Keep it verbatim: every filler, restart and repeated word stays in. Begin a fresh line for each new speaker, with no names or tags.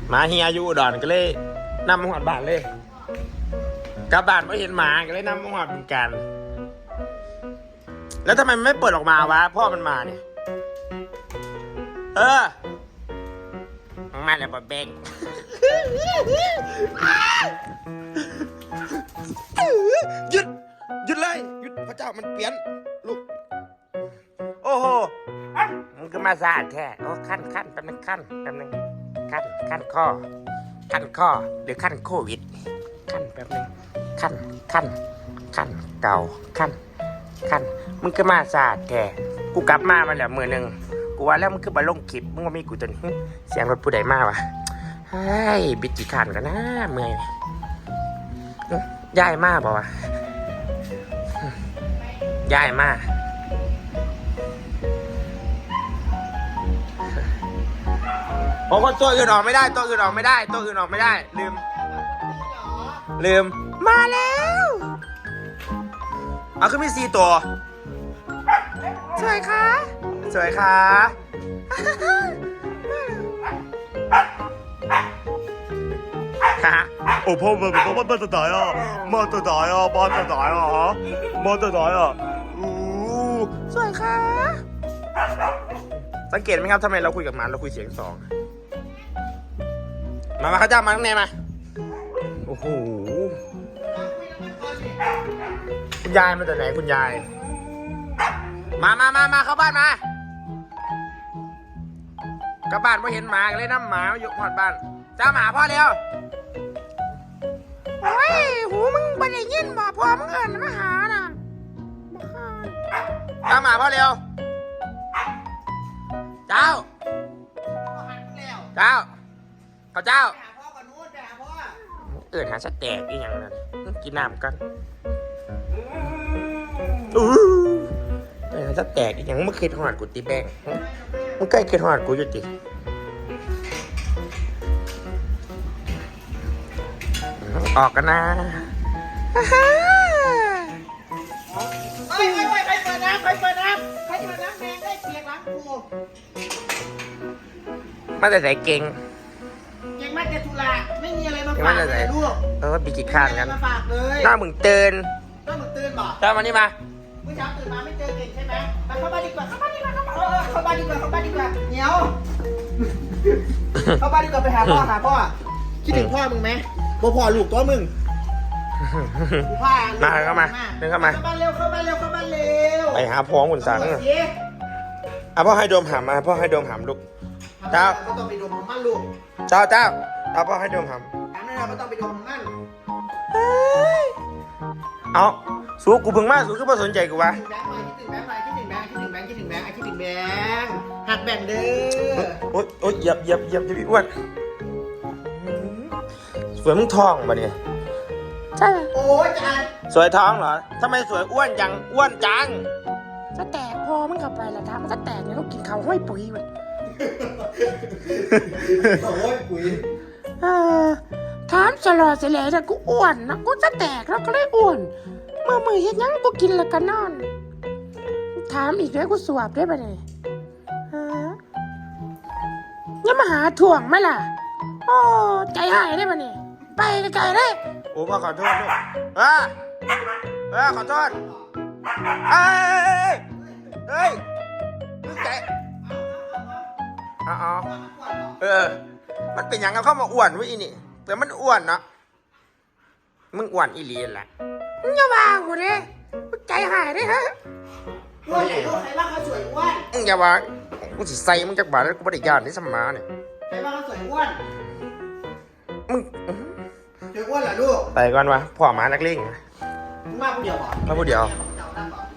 มาเฮียอยู่อุดรก็เลยนำมาหอดบ้านเลยกลับบ้านไม่เห็นหมาก็เลยนำมาหอดเป็นกันแล้วทำไมมันไม่เปิดออกมาวะพ่อมันมาเนี่ยเออมาแล้วบะเบงหยุดหยุดเลยหยุดพระเจ้ามันเปลี่ยนลูกโอ้โหมันก็มาสะอาดแท้โอ้ขั้นขั้นแป๊บนึงขั้นแป๊บนึงขั้นขั้นข้อขั้นข้อหรือขั้นโควิดขั้นแป๊บนึงขั้นขั้นขั้นเก่าขั้นขั้นมึงก็มาสะอาดแท้กูกลับมามาแล้วมือหนึ่งกูว่าแล้วมึงคือมาลงคลิปมึงว่ามีกูจนเสียงรถผู้ใดมาวะเฮ้ยบิดกี่ขันกันนะเมื่อยย้ายมาบอกว่าย้ายมาโอ้คนตัวอื่นออกไม่ได้ตัวอื่นออกไม่ได้ตัวอื่นออกไม่ได้ลืมลืมมาแล้วเอาขึ้นมีสี่ตัวสวยค่ะสวยค่ะ
โอ้พ่อมันมันมันจะตายอ่ะมันจะตายอ่ะมันจะตายอ่ะฮะมันจะตายอ่ะอู้
สวยค่ะสังเกตไหมครับทำไมเราคุยกับมันเราคุยเสียงสองมามาข้าเจ้ามาข้างในมาโอ้โหคุณยายมาจากไหนคุณยายมามามามาเข้าบ้านมากลับบ้านพอเห็นหมาเลยน้ำหมาอยู่หอดบ้านเจ้าหมาพ่อเร็วโอ้ยหูมึงไม่ได้ยินบ่พ่อมึงเอิญมาหาน่ะเจ้าหมาพ่อเร็วเจ้าเจ้าเขาเจ้าเอิญหาสแต็กอีกอย่างนั้นกินน้ำกันอู้เอิญหาสแต็กอีกอย่างมึงเคยทอดกูตีแบงมึงเคยเคยทอดกูอยู่ติออกกันนะ
เฮ้ยเฮ้ยใครเปิดน้ำใครเปิดน้ำใครเปิดน้ำแมงได้เปียกล้างกู
มาแต่ใส่เก่ง
เก่งมากแต่ทุลาไม่มีอะไรมาฝากเลยลูก
เออปีกิข้านกัน
มาฝากเลย
หน้ามึงเตือน
หน้ามึงตื่นบ่
เจ้ามานี่มา
เมื่อเช้าตื่นมาไม่เจอเก่งใช่ไหมมาเข้าบ้านดีกว่าเข้าบ้านดีกว่าเข้าบ้านเออเข้าบ้านดีกว่าเข้าบ้านดีกว่าเหนียวเข้าบ้านดีกว่าไปหาพ่อหาพ่อคิดถึงพ่อมึงไหมบ่พ่อลูกตัวมึง
มาเข้ามาเดินเข้ามา
เข้าบ้านเร็วเข้าบ้านเร็วเข้าบ้านเร็ว
ไปหาพ่อคุณสังอ่ะพ่อให้โดมหามมาพ่อให้โดมหามลูกเจ้า
ก็ต้องไปดมของมันลูก
เจ้าเจ้าเอาพ่อให้โดมหาม
ถามหน่อยเราไม่ต้องไปดมของมัน
เอาสู้กูเพิ่งมาสู้คือไม่สนใจกูวะ
คิดถึงแบงค์หน่อยคิดถึงแบงค์คิดถึงแบงค์คิดถึงแบงค์คิดถึงแบงค์หักแบ่งเด้อ
โอ๊ยโอ๊ยเหยียบเหยียบเหยียบจะพี่อ้วนสวยมึงท้องปะเนี่ย
ใช่โอ้ยจาน
สวยท้องเหรอทำไมสวยอ้วนจังอ้วนจัง
จะแตกพอมันเข้าไปแล้วทำมันจะแตกเนี่ยต้องกินข้าวห้อยปุ๋ยมัน
โอ้ยปุ๋ย
เออถามสลอเสลแต่กูอ้วนนะกูจะแตกแล้วก็เลยอ้วนเมื่อมือเห็นยังกูกินแล้วก็นอนถามอีกด้วยกูสวบได้ปะเนี่ยฮะยังมาหาถ่วงไหมล่ะโอ้ใจหายได้ปะเนี่ยไปไกลๆเลย
โอ้พ่อขอโทษด้วยเออเออขอโทษเอ้ยเฮ้ยมึงใจอ๋อเออมันเป็นอย่างกับเข้ามาอ้วนวะอีนี่แต่มันอ้วนเนาะมึงอ้วนอีหลีแหละ
มึงอย่าว่ากูเลยมึงใจหายได้ฮะ
อ้วนใหญ่ลูกใครว่าเขาสวยอ้วน
มึงอย่าว่ากูสิใส่มึงจากบาทแล้วกูไม่ได้ยานที่สมาเนี่ย
ใครว่าเขาสวยอ้วน
มึง
สวยอ้วนเหรอลูก
ไปก่อนวะพ่อหมานักเลง
มึงมาผู้เดียวเหรอ
มาผู้เดียว